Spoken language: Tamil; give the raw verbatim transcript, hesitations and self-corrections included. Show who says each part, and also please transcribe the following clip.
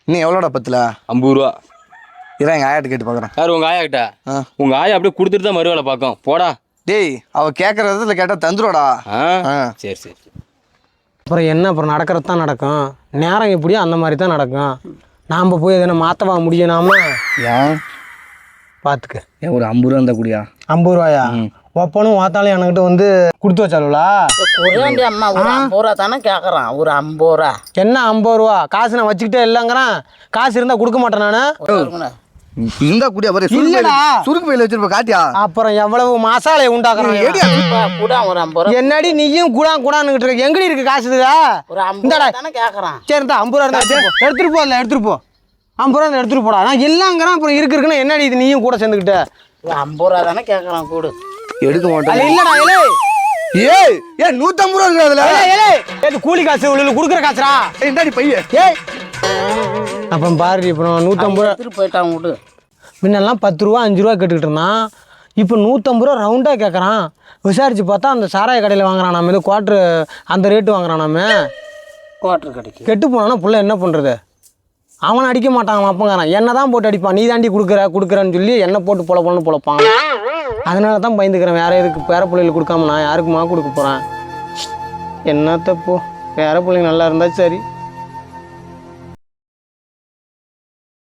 Speaker 1: இன்னும் எவ்வளோடா பத்தில்?
Speaker 2: ஐம்பது ரூபா.
Speaker 1: இதான் எங்கள் ஆயாட்ட கேட்டு பார்க்குறேன்.
Speaker 2: யார் உங்கள் ஆயா கிட்ட? உங்கள் ஆயா அப்படியே கொடுத்துட்டு தான் மறுவேலை பார்க்கும். போடா.
Speaker 1: டேய் அவள் கேட்குற விதத்துல கேட்டால் தந்துருவாடா.
Speaker 2: ஆ சரி சரி.
Speaker 3: அப்புறம் என்ன, அப்புறம் நடக்கிறது தான் நடக்கும். நேரம் எப்படியோ அந்த மாதிரி தான் நடக்கும். நாம் போய் எதனா மாற்றவா முடியும் நாம?
Speaker 1: ஏன்
Speaker 3: பார்த்துக்க.
Speaker 1: ஏன் ஒரு ஐம்பது ரூபா இருந்தால் கூடியா?
Speaker 3: ஐம்பது ரூபாயா? ஒப்பனும் வாத்தாலும் என்கிட்ட வந்து கொடுத்து வச்சாலுங்களா?
Speaker 4: குறையாண்டி அம்மா ஒரு ஐம்பது ரூபா தானே கேட்குறான். ஒரு ஐம்பது ரூபா
Speaker 3: என்ன ஐம்பது ரூபா? காசு நான் வச்சுக்கிட்டே இல்லைங்கிறேன். காசு இருந்தால் கொடுக்க மாட்டேன் நான்.
Speaker 1: இருந்தா கூடியா? பாரு சுருக்கு பையில வச்சிருப்ப காட்டியா?
Speaker 3: அப்புறம் எவ்வளவு மசாலையை உண்டாக்குறான்.
Speaker 4: கூட ஒரு ஐம்பது ரூபா.
Speaker 3: என்னடி நீயும் கூட கூடான்னுகிட்டு இருக்க? எங்கடி இருக்கு காசு? இதுதா
Speaker 4: ஒரு ஐம்பது ரூபா தானே கேட்குறான்.
Speaker 3: சரி இருந்தா ஐம்பது ரூபா இருந்தா எடுத்துட்டு போ. இல்லை எடுத்துட்டு போ. ஐம்பது ரூபா எடுத்துட்டு போடா. நான் இல்லைங்கிறேன். அப்புறம் இருக்கு இருக்குன்னா என்னடி இது நீயும் கூட சேர்ந்துக்கிட்ட?
Speaker 4: ஒரு ஐம்பது ரூபா தானே கேட்குறான். கூடு
Speaker 1: எடுக்க மாட்டேன்.
Speaker 3: இல்லடா இலே.
Speaker 1: ஏய் ஏ நூத்தம்பது ரூபா இருக்குதுல.
Speaker 3: ஏலே ஏது கூலி காசு உள்ள குடுக்குற காசுடா.
Speaker 1: இந்தாடி பைய.
Speaker 3: ஏய் அப்ப பாரு இப்போ நூற்றம்பது ரூபா
Speaker 4: எடுத்துட்டு போயிட்டான். கூடு
Speaker 3: முன்னெல்லாம் பத்து ரூபா அஞ்சு ரூபா கேட்டுக்கிட்டு இருந்தான். இப்போ நூற்றம்பது ரூபா ரவுண்டாக கேட்குறான். விசாரிச்சு பார்த்தா அந்த சாராய கடையில் வாங்குறான். நம்ம இது குவாட்ரு அந்த ரேட்டு வாங்குறான். நம்ம
Speaker 4: குவாட்ரு கடைக்கு
Speaker 3: கெட்டு போனான்னா புள்ள என்ன பண்ணுறது? அவனை அடிக்க மாட்டான். அவன் அப்பங்காரன் என்ன தான் போட்டு அடிப்பான். நீ தாண்டி கொடுக்குற கொடுக்குறன்னு சொல்லி என்ன போட்டு பொல பொலன்னு பொழப்பான். அதனால தான் பயந்துக்கிறேன். வேற எதுக்கு பேர பிள்ளைகளுக்கு கொடுக்காம நான் யாருக்குமா கொடுக்க போகிறேன்? என்ன தப்பு? பேர பிள்ளைங்க நல்லா இருந்தால் சரி.